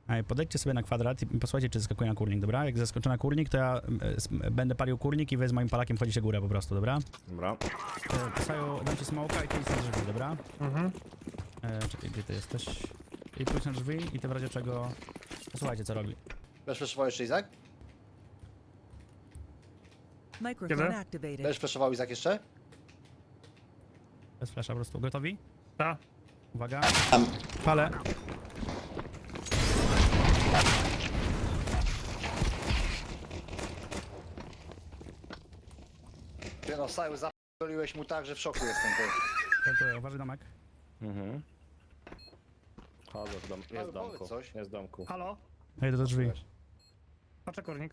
Ej, podejdźcie sobie na kwadrat i posłuchajcie, czy zeskakuje na kurnik, dobra? Jak zeskoczę na kurnik, to ja będę palił kurnik i wy z moim palakiem wchodzicie górę po prostu, dobra? Dobra. Saju, dam ci smoka i ty idź na drzwi, dobra? Mhm. Czekaj, gdzie ty jesteś? I pójdź na drzwi i ty w razie czego... Posłuchajcie, co robi. Będziesz flashował jeszcze Izak? Microphone Kiedy? activated. Będziesz flashował Izak jeszcze? Bez flasha po prostu. Gotowi? Ta. Uwaga. Palę. Ty no, Saju, zapaliłeś mu tak, że w szoku jestem. Ty. Gotowy, uważaj domek. Mhm. Chodzę w dom. Ale Jest w domku. powiedz coś. Jest w domku. Halo? Ja idę do drzwi. Patrzę kurnik.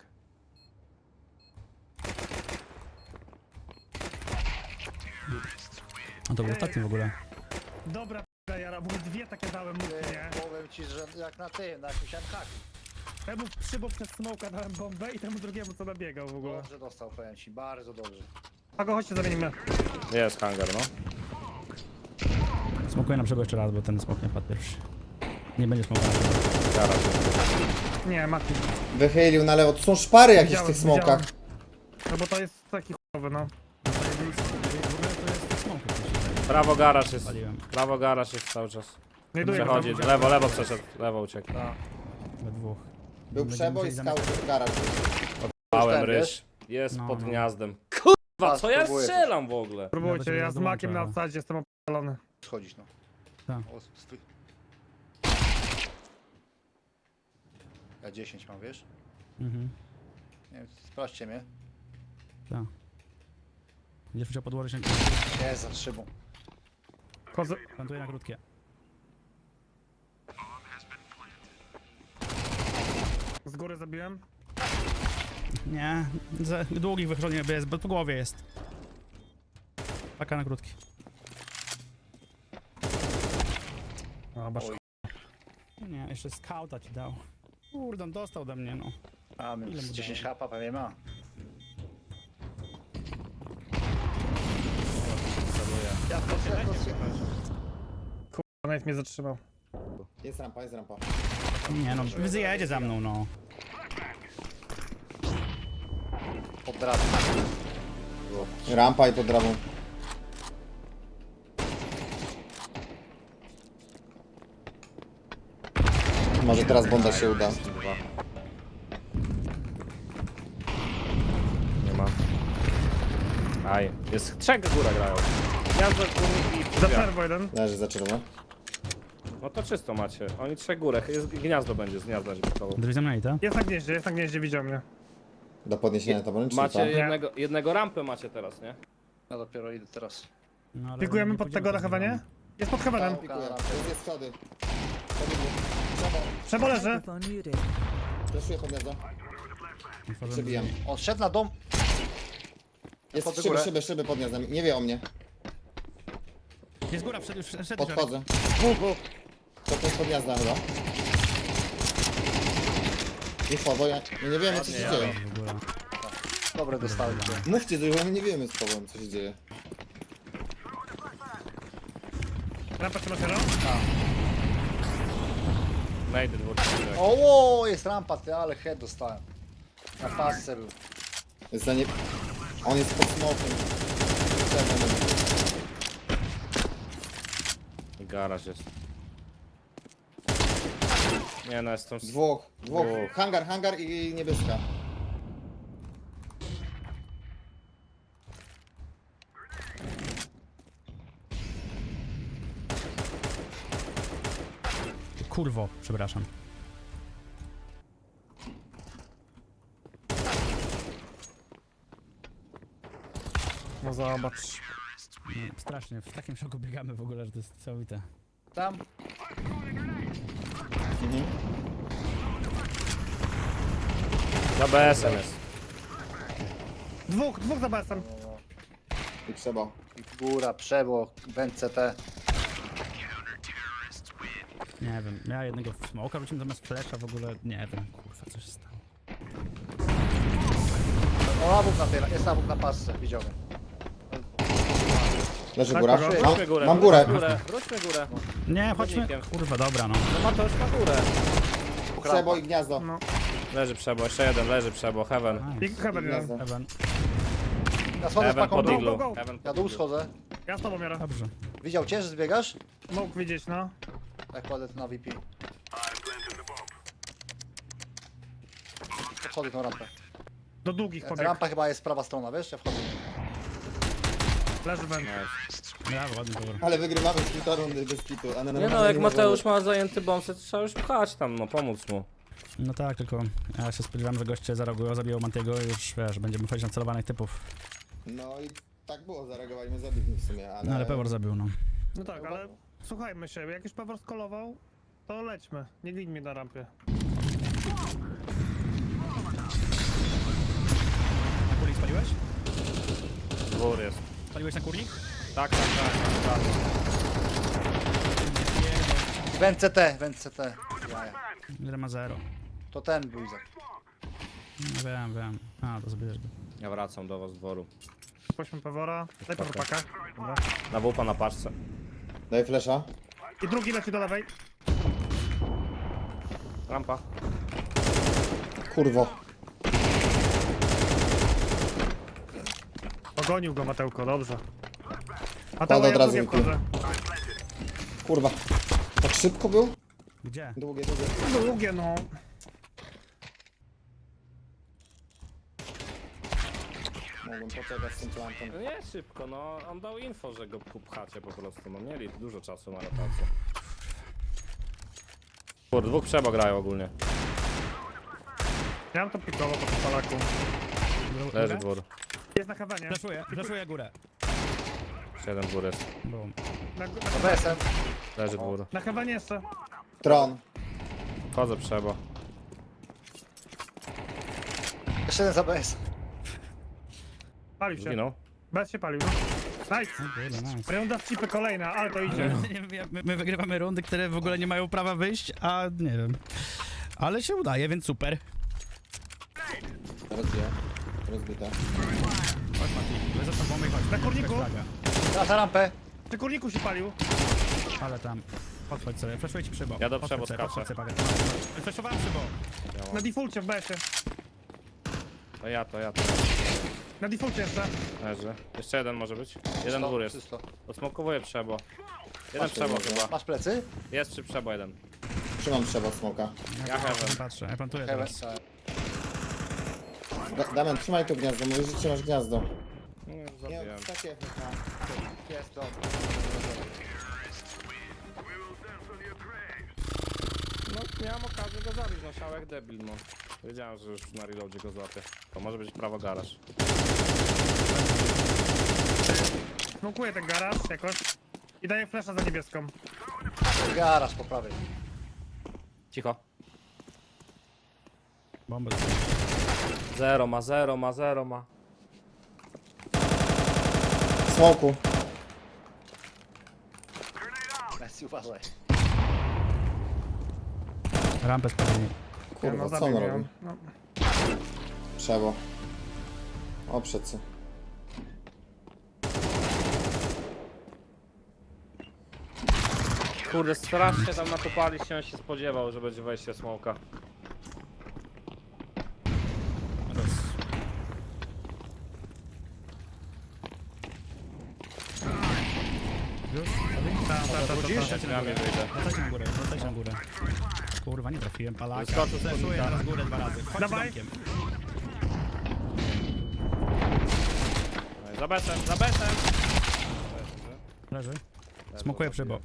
A to był ostatni w ogóle. Dobra, jara, bo dwie takie dałem mu, nie? Ty, powiem ci, że jak na tym, na jakimś haku. Temu przybok przez smoka dałem bombę i temu drugiemu co nabiegał w ogóle. Dobrze dostał, powiem ci, bardzo dobrze. A go chodźcie zamienimy. Jest hangar, no. Smokuję na brzegu jeszcze raz, bo ten smok nie padł pierwszy. Nie będzie smoka. Garaż. Nie, Mati. Wychylił na lewo. Tu są szpary jakieś w tych Widziałem. smokach. No bo to jest taki chujowy, no. W ogóle to jest smok, jak mi się wydaje. Prawo garaż jest. Paliłem. Prawo garaż jest cały czas. Znajduję go. Przechodzi. Lewo, lewo przeszedł. Lewo uciekł. We dwóch. Był Będziemy przeboj, musieli skał w garaż. Małem Ten, ryż. Jest No, pod no. gniazdem. Kurwa, co ja Spróbuję coś. strzelam w ogóle? Próbujcie, Nawet ja nie z makiem na dołączę, ale- odsadzie jestem opalony. Schodzić, no. Tak. O, Ja 10 mam, wiesz? Mhm. Nie wiem, sprawdźcie mnie. Tak. Będziesz musiał podłożyć się. Nie, za szybą. Chodzę. Plantuję na krótkie. Z góry zabiłem. Nie, za długich wychodzi nie jest, bo po głowie jest. Paka na krótki. O, basz. Oj. Nie, jeszcze skauta ci dał. Kurde, on dostał ode mnie, no. A, my Ile mu 10 dało? hapa pewnie ma. Ja Nawet mnie zatrzymał. Jest rampa, jest rampa. Nie no, wyjedzie za mną, no. Podradę. Rampa i pod drabą. Może teraz bonda się uda. Dwa. Nie ma. Aj, jest trzech góra grają. Gniazdo, kurnik i Za drzwi. przerwą jeden. Leży za czerwono. No to czysto macie. Oni trzech górę. Jest gniazdo będzie z gniazda żeby Drzwi zamknięte. Jest na gnieździe, widział mnie. Do podniesienia taboru, czy Macie co? jednego rampę macie teraz, nie? Ja dopiero idę teraz. No, ale Pikujemy nie pod pójdziemy tego na z chyba, nie? nimi. Jest pod heavenem. Pikuję. Jest schody. Przebo leży. Microphone muted. Fleszuję pod gniazdo. Otworzyłem Przebijam. drzwi. On szedł na dom. Jest Pod szyby, górę. szyby, szyby pod gniazdem. Nie wie o mnie. Jest góra, wszedł. Podchodzę. To jest pod gniazda chyba. I bo ja nie wiemy co się dzieje. W ogóle. Dobre dostałem. Mówcie, że my nie wiemy z Pawłem co się dzieje. Rampa się otwiera. Najdę dwóch. O, jest rampa, ty, ale head dostałem. Na pasce był. Jest za nie... On jest pod smokiem. I garaż jest. Nie no, jestem... Dwóch. Dwóch. Hangar i niebieska. Kurwo, przepraszam. No zobacz. Nie, strasznie, w takim szoku biegamy w ogóle, że to jest całowite. Tam. Za BS-em jest. Dwóch za BS-em. I trzeba. Góra, przebo, BNCT. Nie wiem, ja jednego smoka wróciłem zamiast flasha w ogóle, nie wiem, kurwa, co się stało. O, awuk na tyle, jest awuk na pasce, widziałem. Leży Tak, góra. kogo? Wróćmy górę. Mam górę. Wróćmy górę. Nie, chodźmy, Podnikiem. kurwa, dobra, no. No ma to już na górę. Przebo i gniazdo. No. Leży przebo, jeszcze jeden, leży przebo, heaven. I heaven jeden. Gniazdo. Ewan. Ja schodzę z Heaven paką pod dół. iglu. go, go. Heaven Ja pod dół iglu. schodzę. Ja z tobą biorę. Dobrze. Widział cię, że zbiegasz? Mógł widzieć, no. Jak kładę to na VP. Wchodzę tą rampę. Do długich pobiegł. Rampa chyba jest prawa strona, wiesz? Ja wchodzę. Leży węd. Brawo, ładny powór. Ale wygrywamy z kilka rundy bez kitu. A na Nie normalnie no, jak możemy- Mateusz ma zajęty bombs, to trzeba już pchać tam, no pomóc mu. No tak, tylko ja się spodziewałem, że goście zareagują, zabiją Mantiego i już wiesz, będziemy wchodzić na celowanych typów. No i tak było, zareagowaliśmy, zabiliśmy w sumie, ale... No ale Pewor zabił, no. No tak, ale słuchajmy się, jak już Pewor skolował, to lećmy. Nie gnij mnie na rampie. Na kurnik spaliłeś? Dwór jest. Spaliłeś na kurnik? Tak, tak, tak. Węd CT. Jaja. Ile ma 0. To ten był Izak. No wiem. A, to zabierzesz go. Ja wracam do was z dworu. Pośmy Pewora. Daj Pewor paka. Dobra. Na wupa na paczce. Daj flesza. I drugi leci do lewej. Rampa. Kurwo. Pogonił go Mateuko, dobrze. A Kładę to od ja razu drugie wypił. wchodzę. Kurwa. Tak szybko był? Gdzie? Długie. Długie, no. Mogłem poczekać z tym plantem. No nie szybko, no on dał info, że go pchacie po prostu, no mieli dużo czasu na rotację. Kurde, dwóch przebo grają ogólnie. Ja bym to pikował po tym palaku. Leży dwór. Jest na heavenie. Flaszuję górę. Jeszcze jeden dwór jest. Boom. To BSM. Leży dwór. Na heavenie jeszcze. Tron. Wchodzę przebo. Jeszcze jeden za BS. Palił się. Zginął. Bez się palił. Nice. Kurde, nice. Runda w chipy kolejna, ale to idzie. My wygrywamy rundy, które w ogóle nie mają prawa wyjść, a nie wiem. Ale się udaje, więc super. Rozbite. Chodź Mati, za tobą i chodź. Na kurniku? Flaga. Teraz na rampę. Przy kurniku się palił. Ale tam. Podchodź sobie, flaszuję ci przybo. Ja do Podchodź przybo sobie, skaczę. podchodź sobie, Paweł. Flashowałem przybo. Na defaulcie w BS-ie. To ja. Na defaulcie jeszcze. Leży. Jeszcze jeden może być. Jeden dwór jest. Czysto. Odsmokowuję przebo. Jeden Masz przebo tego, chyba. Masz plecy? Jest przy przebo jeden. Trzymam trzeba smoka. Ja heaven. Nie patrzę, ja plantuję Heaven. teraz. Damian, trzymaj to gniazdo, mówisz, że trzymasz gniazdo. Nie, Nie, zabiłem. takie... Jest to. No miałem okazję go zabić, no siał jak debil, no. Wiedziałem, że już na reloadzie go złapię. To może być prawo garaż. Smokuję ten garaż jakoś. I daję flasha za niebieską. Garaż po prawej. Cicho. Bombę. Zero ma. Smoku. Messi, uważaj. Rampę spalili. Kurwa, co on zabił robi? ją. No. Przebo. O, przecy. Kurde, strasznie tam nakopali się, on się spodziewał, że będzie wejście smoka. Już? Wrócisz? Ja mi wyjdę. Wracajcie na górę. Kurwa, nie trafiłem palaka. Wyskoczył z Flashuję podnika. teraz górę 2 razy. Chodź Dawaj. domkiem. Za besem, za besem! Leży. Smokuję przybo.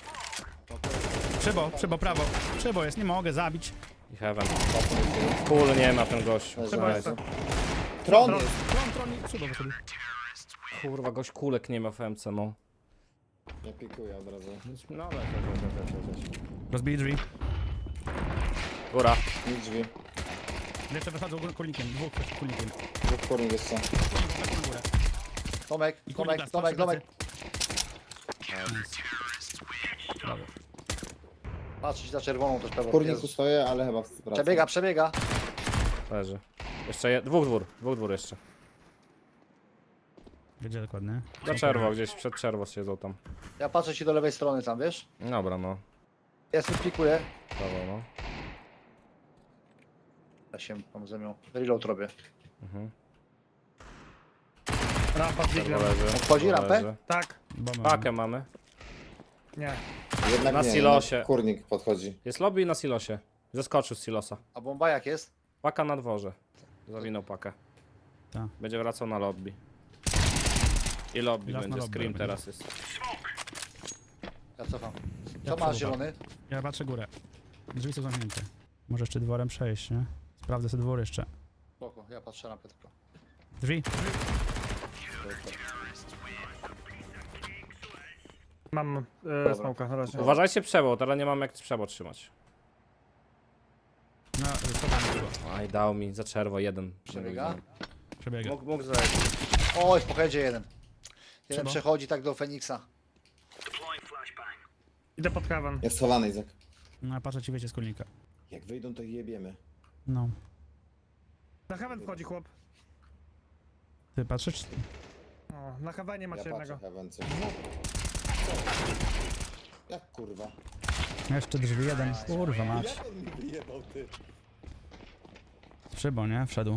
Przybo, prawo. Przybo jest, nie mogę zabić. I heaven. Kul nie ma ten gość. Trzeba jeszcze. Tron jest. Tron i przybo wyszedł. Kurwa, gość kulek nie ma w MC, no. Ja pikuję od razu. No, leć. Rozbili drzwi. Góra. Nie drzwi. Jeszcze wychodzą kurnikiem, dwóch kurnikiem. Dwóch kurnik jeszcze. Na górę. Tomek, I kurnik Tomek, las, Tomek, patrzę, Tomek. Brawo. Patrz za czerwoną też pewnie. W kurniku stoję, ale chyba wraca. Przebiega. Leży. Jeszcze dwóch dwór jeszcze. Gdzie dokładnie? Za czerwo, gdzieś przed czerwo siedzą tam. Ja patrzę ci do lewej strony tam, wiesz? Dobra, no. Ja sobie pikuję. Prawo, no. Ja się mam zamiał. Reload robię. Rampa z diglem. Leży. Wchodzi rampę? Leży. Tak. Bomba. Pakę mamy. Nie. Jednak Na nie, silosie. jednak kurnik podchodzi. Jest lobby na silosie. Zeskoczył z silosa. A bomba jak jest? Paka na dworze. Zawinął pakę. Tak. Będzie wracał na lobby. I lobby Raz na będzie. lobby Scream będzie. teraz jest. Ja cofam. Ja Co masz przesuwam. zielony? Ja patrzę górę. Drzwi są zamknięte. Może jeszcze dworem przejść, nie? Sprawdzę sobie dwór jeszcze. Spoko, ja patrzę rampę tylko. Drzwi. Mam smoka na razie. Uważajcie przebo, teraz nie mam jak przebo trzymać. No, schowamy go. Aj, dał mi za czerwo jeden. Przebiega? Przebiega. Mógł zejść. Oj, w pochodzie jeden. Jeden Trzeba. przechodzi tak do Feniksa. Idę pod heaven. Jest schowany, Izak. No, patrzę ci, wiecie, z kulnika. Jak wyjdą, to ich jebiemy. No. Na heaven wchodzi chłop. Ty patrzysz? O, na heavenie macie Ja jednego. patrzę, heaven, coś. Jak kurwa? Jeszcze drzwi jeden. Kurwa, mać. Jak on mi wyjebał, ty? Szybą, nie? Wszedł.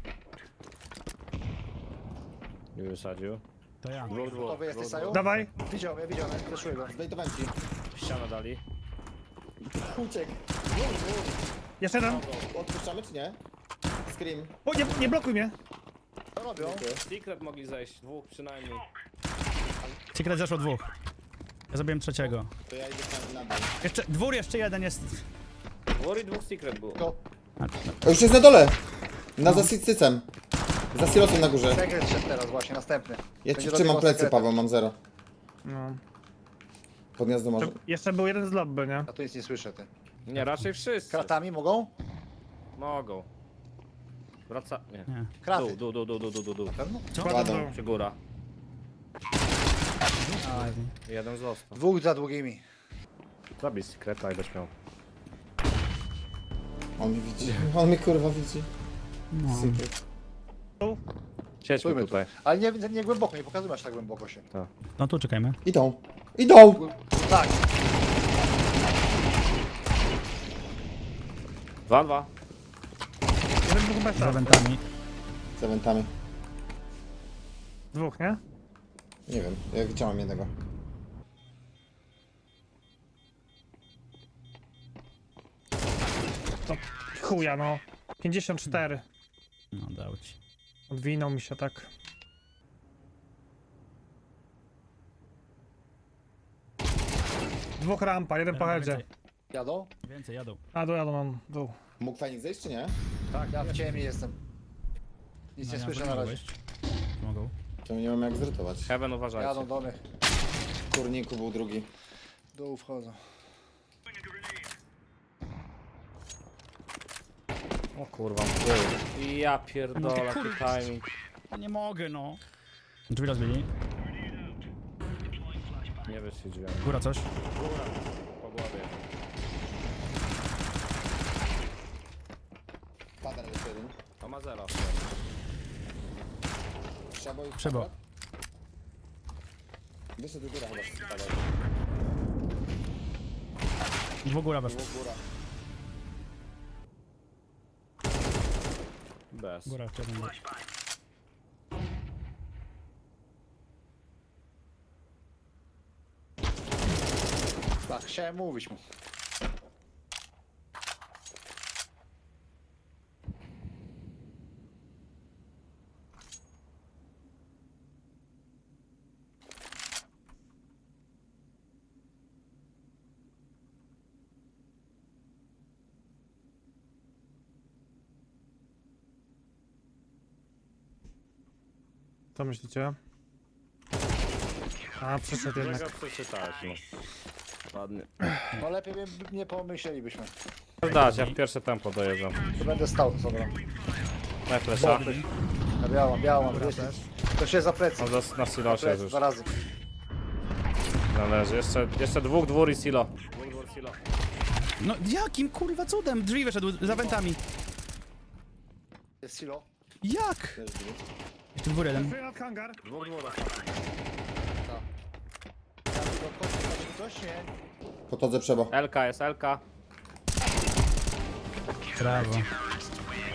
Nie wysadził. To ja. Gotowy jesteś, Saju? Dawaj. Widziałem, fleszuję go. Zdejtowałem ci. Ścianę dali. Uciekł. Jeszcze jeden. Odpuszczamy czy nie? Scream. O, nie blokuj mnie. Co robią? Secret mogli zejść, dwóch przynajmniej. Secret zeszło dwóch. Ja zrobiłem trzeciego. To ja idę tam na dół. Jeszcze, dwór jeszcze jeden jest. Dwór i dwóch secret było. To O, już jest na dole! Na za cycem. Za silosem na górze. sekret szedł teraz właśnie, następny. Ja Będzie ci trzymam robił plecy, sekretem. Paweł, mam 0. No. Pod gniazdo może. Jeszcze był jeden z lobby, nie? Ja tu nic nie słyszę, ty. Nie, raczej wszyscy. Kratami mogą? Mogą. Wraca... Nie. Nie. Kraty. Dół. Pewno? Kładą. Kładą. Czy góra. Aj. Jeden został. Dwóch za długimi. Zabij secreta i będziesz miał. On mnie widzi. On mnie kurwa widzi. No. Secret. Siedźmy Stójmy tu. tutaj. Ale nie głęboko, nie pokazuj aż tak głęboko się. No tu czekajmy. Idą. Idą! Tak, 2-2. Jeden dwóch bez Z eventami. Z eventami. Dwóch, nie? Nie wiem, ja widziałem jednego. To chuja, no. 54. No dał ci. Odwinął mi się tak. Dwóch rampa, jeden po headzie. jadą? Więcej jadą. A, jadą mam dół. Mógł Fenix zejść czy nie? Tak, ja w ciemni jestem. Nic No, nie ja słyszę bym na mógł razie. wejść. Mogą. To nie mam jak zrytować. Heaven uważajcie. Jadą do mnie. W kurniku był drugi. Dół wchodzą. O kurwa, był. Ja pierdolę, jaki timing. Ja nie mogę, no. Drzwi rozbili. Nie wyszli drzwiami. Góra coś. Po głowie. Pada jeszcze jeden. To ma 0. Przebo i Przebo. Wyszedł góra chyba spadał. Dwóch góra weszło. Góra. Bez. Góra jeszcze jeden. Tak, chciałem mówić mu. Co myślicie? A, przyszedł Czego jednak. przeczytałeś, no. Ładnie. No lepiej nie pomyślelibyśmy. Dać, ja w pierwsze tempo dojeżdżam. To będę stał, dobra. Na flesza. Ja białą, to się za plecy. On na silosie Plecy, już. 2 razy. Należy. Jeszcze dwóch, dwór i silo. Dwór, silo. No jakim kurwa cudem? Drzwi wyszedł za wentami. Jest silo. Jak? Jeszcze dwór jeden. Przyjdę nad hangar. Dwóch, dwór. Ja tu odchodzę, coś nie? Podchodzę przebo. LK jest LK. Brawo.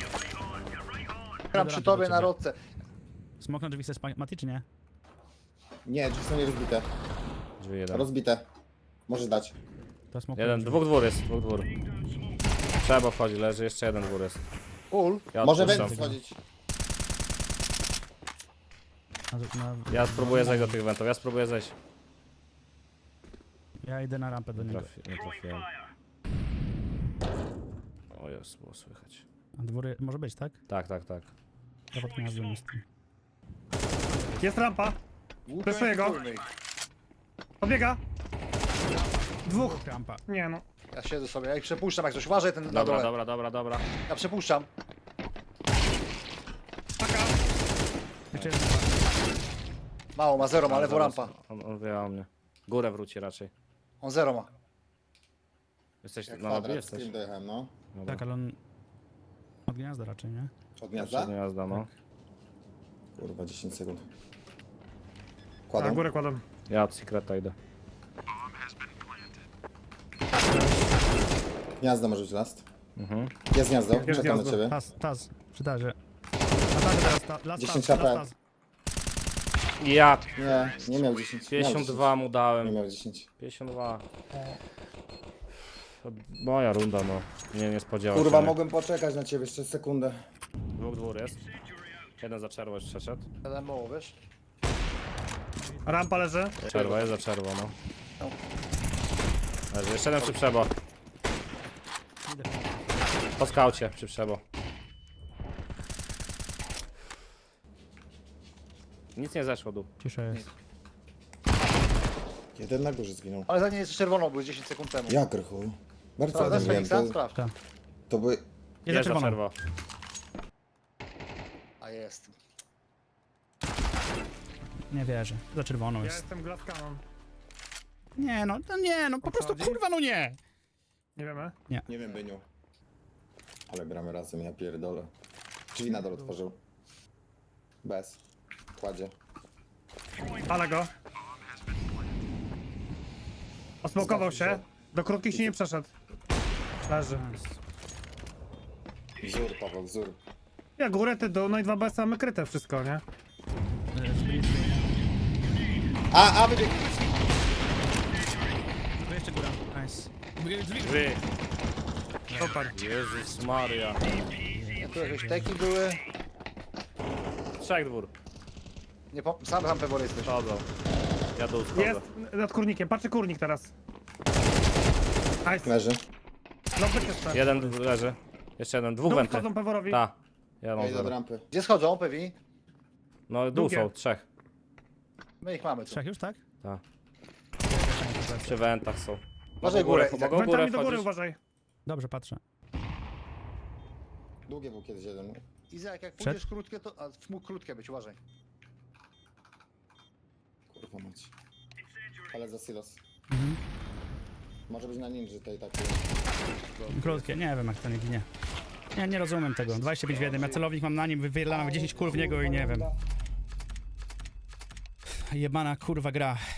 Gram przy tobie na rodce. Smok na drzwi chcesz Mati, czy nie? Nie, drzwi są nierozbite. Drzwi jeden. Rozbite. Możesz dać. To smok Jeden, dwóch dwór jest, dwóch dwór. Trzeba wchodzi, leży, jeszcze jeden dwór jest. Ul. Ja Może odpuszczam. węd schodzić. Ja spróbuję zejść do tych wentów, ja spróbuję zejść. Ja idę na rampę do niego. Nie trafiłem. O jest, było słychać. A dwory może być, tak? Tak, tak, tak. Ja pod gniazdem jestem. Jest rampa. Preszuję go. Pobiega. Dwóch. Rampa. Nie no. Ja siedzę sobie, ja ich przepuszczam jak coś. Uważaj ten na Dobra, dole. dobra, dobra, dobra. Ja przepuszczam. Taka. Jeszcze jeden. Mało ma, zero ma, lewo Zaraz, rampa. On wie o mnie. Górę wróci raczej. On zero ma. Jesteś Jak na lobby? kwadrat, z Jesteś? tym dojechałem, no. Dobra. Tak, ale on... Od gniazda raczej, nie? Od gniazda? Przednia jazda, no. Kurwa, 10 sekund. Na Kładą. górę kładę. Ja od Secreta idę. Gniazdo może być last. Mhm. Jest gniazdo, czekam na gniazdo. ciebie. Taz, przy tazie. Na tazie teraz, last 10 taz, HP. last taz. Ja Nie miał 10. Miał 52 mu 10. dałem. Nie miał 10. 52. Moja runda, no. Nie spodziewał Kurwa, się. mogłem poczekać na ciebie jeszcze sekundę. Dwóch dwór jest. Jeden za czerwo już przeszedł. Jeden mało, wiesz? Rampa leży. Czerwo jest za czerwo, no. Leży. Jeszcze jeden przy przebo. Po skaucie przy przebo. Nic nie zeszło dół. Cisza jest. Jeden na górze zginął. Ale za nie jest czerwoną, był 10 sekund temu. Jak rychuj? Bardzo Sprawdzasz ładnie wiem. Feniksa? To, Sprawdź. Tak. to by... Jest za Jest za czerwoną. czerwo. A jest. Nie wierzę. Za czerwoną Ja jest. jestem glass cannon. Nie no, to nie, no po prostu Obchodzi? kurwa, no nie! Nie wiemy. Nie wiem, Byniu. Ale gramy razem, ja pierdolę. Drzwi na dole otworzył. Bez. Kładzie. Ale go. Osmokował się. Do krótkich się nie przeszedł. Leży. Wzór, Paweł, wzór. Ja górę, ty dół, no i 2 BS mamy kryte wszystko, nie? A wybieg! Tu jeszcze góra. Nice. Wy. Super. Jezus Maria. Tu jakieś teki były. Trzech dwór. Nie, sam tam pewnie jesteś. Chodzą. Ja dół schodzę. Jest nad kurnikiem. Patrzy kurnik teraz. Nice. Leży. No wyk jeszcze. Jeden leży. Jeszcze jeden. Dwóch Dół wenty. wchodzą peworowi. Ta. Ja Ja mam idę od zero. rampy. Gdzie schodzą, pewnie? No dół Drugie. są. Trzech. My ich mamy tu. Trzech już, tak? Ta. Przy wentach są. Uważaj Mogą górę, górę. mogą górę Wentami do góry wchodzić. uważaj. Dobrze, patrzę. Długie był kiedyś jeden. Izak, jak Przed? pójdziesz krótkie, to... A, mógł krótkie być, uważaj. Kurwa mać. Ale za silos. Mhm. Może być na ninży tej takiej. Krótkie, nie wiem jak to nie ginie. Nie rozumiem tego. 25 w jednym. Ja celownik mam na nim, wypierdalam 10 kul w niego i nie wiem. Jebana kurwa gra.